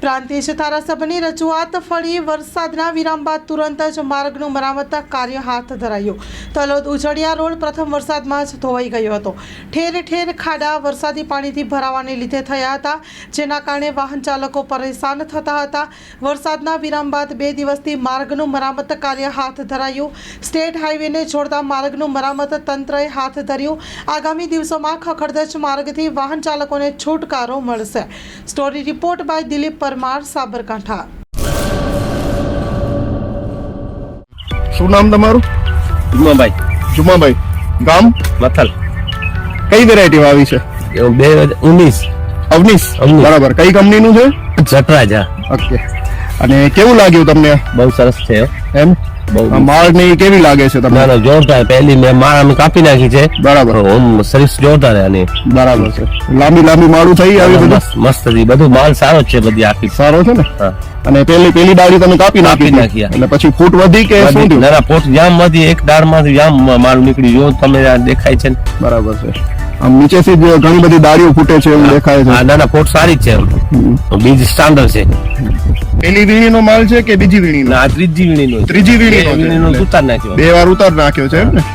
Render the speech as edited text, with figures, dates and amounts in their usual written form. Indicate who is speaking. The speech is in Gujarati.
Speaker 1: પ્રાંતિજ ધારાસભ્યની રજૂઆત ફળી વરસાદના વિરામ બાદ તુરંત જ માર્ગનું મરામત કાર્ય હાથ ધરાયું. તલોદ ઉજળિયા રોડ પ્રથમ વરસાદમાં જ ધોવાઈ ગયો હતો. ઠેર ઠેર ખાડા વરસાદી પાણીથી ભરાવાને લીધે થયા હતા, જેના કારણે વાહન ચાલકો પરેશાન થતા હતા. વરસાદના વિરામ બાદ 2 દિવસથી માર્ગનું મરામત કાર્ય હાથ ધરાયું. સ્ટેટ હાઈવેને જોડતા માર્ગનું મરામત તંત્રએ હાથ ધર્યું. આગામી દિવસોમાં ખખડધજ માર્ગથી વાહન ચાલકોને છુટકારો મળશે. Story report by Dilip Parmar, Sabarkantha.
Speaker 2: શું નામ તમારું? જુમાભાઈ. ગામ?
Speaker 3: મથલ.
Speaker 2: કઈ વેરાયટી વાવી છે?
Speaker 3: 2019.
Speaker 2: અવનીશ. બરાબર. કઈ કંપનીનું છે?
Speaker 3: જટરાજ.
Speaker 2: ઓકે. અને કેવું લાગ્યું તમને?
Speaker 3: બહુ સરસ છે
Speaker 2: એમ? માળ ની કેવી લાગે છે તમને?
Speaker 3: ના જોરદાર. પહેલી મેં માળ અમે કાપી નાખી છે.
Speaker 2: બરાબર.
Speaker 3: ઓમ સર્વિસ જોરદાર આની.
Speaker 2: બરાબર છે. લાંબી માળું થઈ આવી બધું?
Speaker 3: મસ્ત હતી. બધું માલ સારો જ છે, બધી આખી
Speaker 2: સારો છે ને?
Speaker 3: હા.
Speaker 2: અને પેલી ડાળી તમે કાપી નાખી એટલે પછી ફૂટ વધી કે શું થયું?
Speaker 3: ના પોટ જામ વધી, એક દાળમાંથી જામ માલ નીકળી. જો તમે આ દેખાય છે ને?
Speaker 2: બરાબર છે. આમ નીચેથી જ ઘણી બધી ડાળીઓ ફૂટે છે એવું દેખાય છે.
Speaker 3: હા, ના પોટ સારી જ છે. બીજ સ્ટાન્ડર્ડ છે.
Speaker 2: પેલી વીણીનો માલ છે કે બીજી વીણીનો?
Speaker 3: ના ત્રીજી વીણીનો.
Speaker 2: ત્રીજી વીણીનો
Speaker 3: ઉતાર નાખ્યો.
Speaker 2: 2 વાર ઉતાર નાખ્યો છે એમ ને?